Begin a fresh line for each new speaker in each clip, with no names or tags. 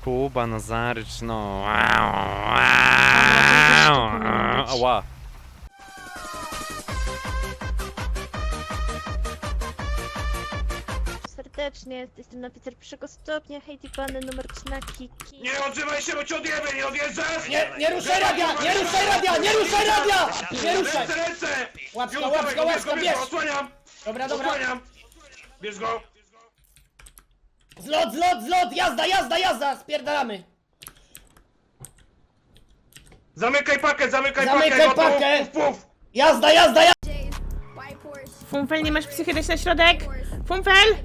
Kuba, Nazarycz, no. Ała.
Serdecznie, jestem oficer pierwszego stopnia, Heidi Pany, numer 3 na Kiki.
Nie odzywaj się, bo cię odjebę, nie odjeżdżasz!
Nie ruszaj radia! Nie ruszaj radia! Nie ruszaj radia! Nie ruszaj!
Ręce!
Łapska, łapska, łapska, bierz!
Osłaniam!
Dobra, dobra.
Osłaniam! Bierz go!
Zlot, zlot, zlot! Jazda, jazda, jazda! Spierdalamy!
Zamykaj pakę, zamykaj
Zamykaj
pakę!
pakę!
Puf, puf!
Jazda, jazda, jazda!
Funfel, nie masz psychy, dać na środek? Funfel!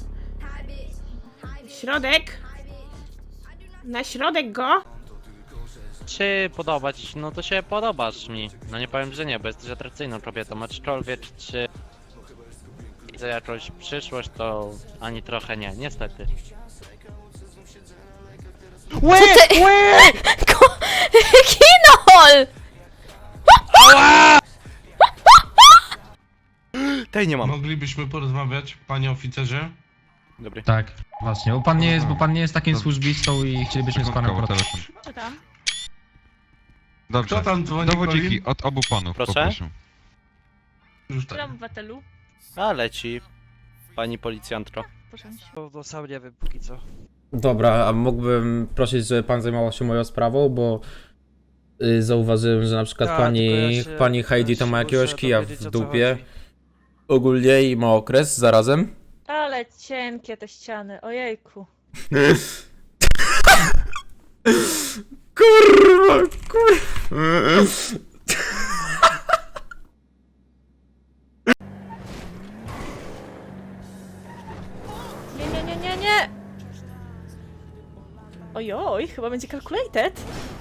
Środek? Na środek go?
Czy podobać? No to się podobasz mi. No nie powiem, że nie, bo jesteś atrakcyjną kobietą, aczkolwiek czy widzę jakąś przyszłość, to ani trochę nie, niestety.
Co ty? Kinol!
Tej nie mam.
Moglibyśmy porozmawiać, panie oficerze?
Dobry.
Tak, właśnie. Bo pan nie jest takim służbistą i chcielibyśmy z panem porozmawiać.
Co tam?
Kto
Dobrze.
tam dzwoni?
Dowodziki od obu panów,
Proszę?
poproszę.
Już tak.
Któremu obywatelu?
A leci. Pani policjantko.
Proszę.
No sam nie wiem póki co.
Dobra, a mógłbym prosić, żeby pan zajmował się moją sprawą, bo zauważyłem, że na przykład
Tak,
pani Heidi to ma jakiegoś
muszę
kija
dowiedzieć,
w
o co
dupie.
chodzi.
Ogólnie i ma okres zarazem.
Ale cienkie te ściany, ojejku.
Kurwa, kurwa.
Nie, nie, nie, nie, nie! Ojoj, chyba będzie calculated.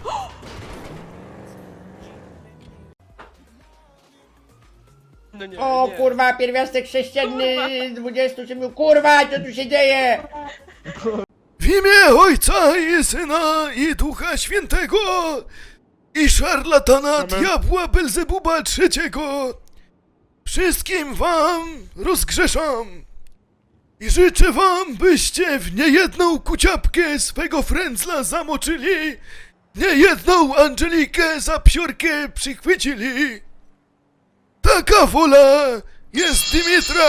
No nie,
O
nie.
kurwa, pierwiastek sześcienny 27, kurwa, co tu się dzieje?
W imię Ojca i Syna i Ducha Świętego i szarlatana diabła Belzebuba III wszystkim wam rozgrzeszam i życzę wam, byście w niejedną kuciapkę swego frędzla zamoczyli, niejedną Angelikę za psiorkę przychwycili. Taka wola jest Dymitra.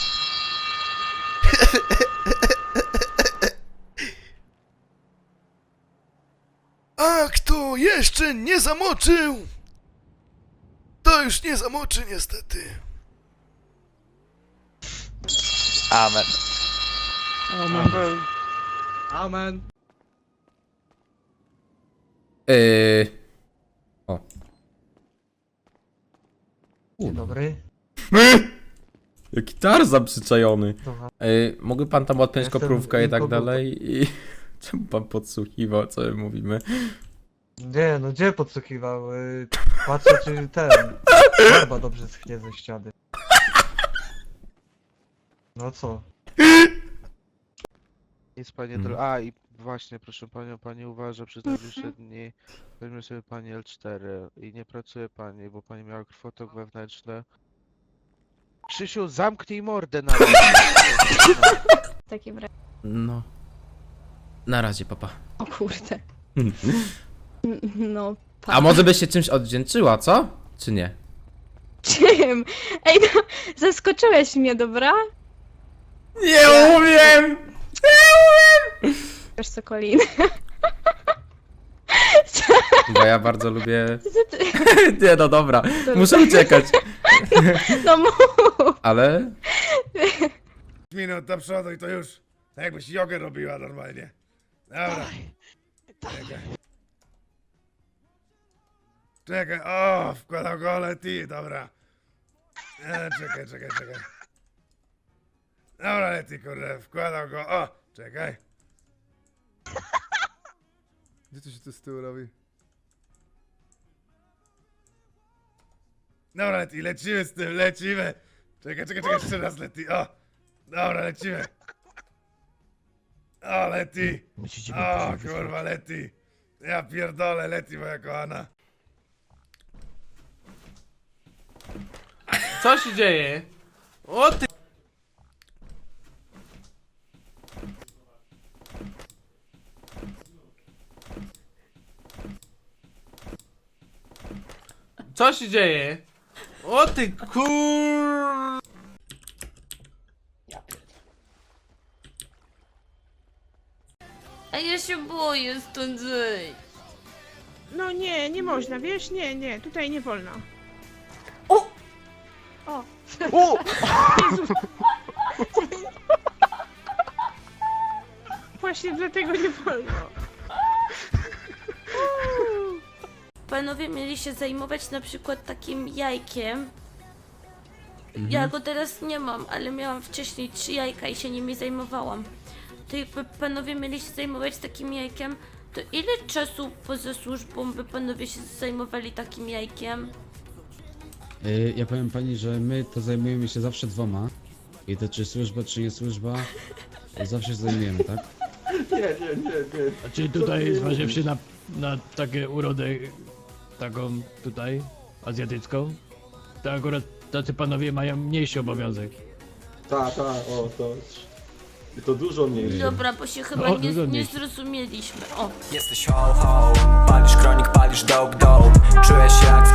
A kto jeszcze nie zamoczył, to już nie zamoczy niestety.
Amen.
Amen. Amen.
O.
Dzień dobry.
Jaki Tarzan przyczajony.
Dobra.
Mógłby pan tam odpiąć
Jestem
koprówkę i tak
inkognito.
dalej i... Czemu pan podsłuchiwał, co my mówimy?
Nie, no gdzie podsłuchiwał? Patrzę czy ten... Barba dobrze schnie ze ściany. No co?
Nic panie
Mhm.
A i właśnie proszę panią, pani uważa przez najbliższe dni. Weźmie sobie pani L4 i nie pracuje pani, bo pani miała krwotok wewnętrzny. Krzysiu, zamknij mordę na
W takim razie.
No. Na razie, papa.
O kurde. No,
A może byś się czymś odwdzięczyła, co? Czy nie?
czym? Ej, no, zaskoczyłeś mnie, dobra?
Nie umiem!
Wiesz co, Colin?
Bo ja bardzo lubię...
Co ty?
Nie, no dobra. Muszę uciekać.
No mów!
Ale...
Minut do przodu i to już tak jakbyś jogę robiła normalnie. Dobra. Czekaj. Czekaj, o, wkładał go Leti, dobra. Czekaj. Dobra, Leti, kurde, wkładał go, o, czekaj. Gdzie to się to z tyłu robi? Dobra, Leti, lecimy z tym, lecimy. Czekaj, jeszcze raz, Leti, o. Dobra, lecimy. O, Leti. O, kurwa, Leti. Ja pierdolę, Leti, moja kochana.
Co się dzieje? O ty...
Co się dzieje? O ty kur...
A ja się boję stąd zejść.
No nie, nie można, wiesz? Nie, tutaj nie wolno.
O!
Jezu. Właśnie dlatego nie wolno.
Panowie mieli się zajmować na przykład takim jajkiem. Ja go teraz nie mam, ale miałam wcześniej 3 jajka i się nimi zajmowałam. To jakby panowie mieli się zajmować takim jajkiem, to ile czasu poza służbą by panowie się zajmowali takim jajkiem?
Ja powiem pani, że my to zajmujemy się zawsze 2. I to czy służba, czy nie służba, to zawsze się zajmujemy, tak?
A czy tutaj zważywszy na takie urodę, taką tutaj, azjatycką, to akurat tacy panowie mają mniejszy obowiązek.
To dużo mniej.
Dobra, bo się chyba
O,
nie
wygodniej.
zrozumieliśmy. O!
Jesteś ho ho, palisz kronik, palisz dope dope. Czuję się jak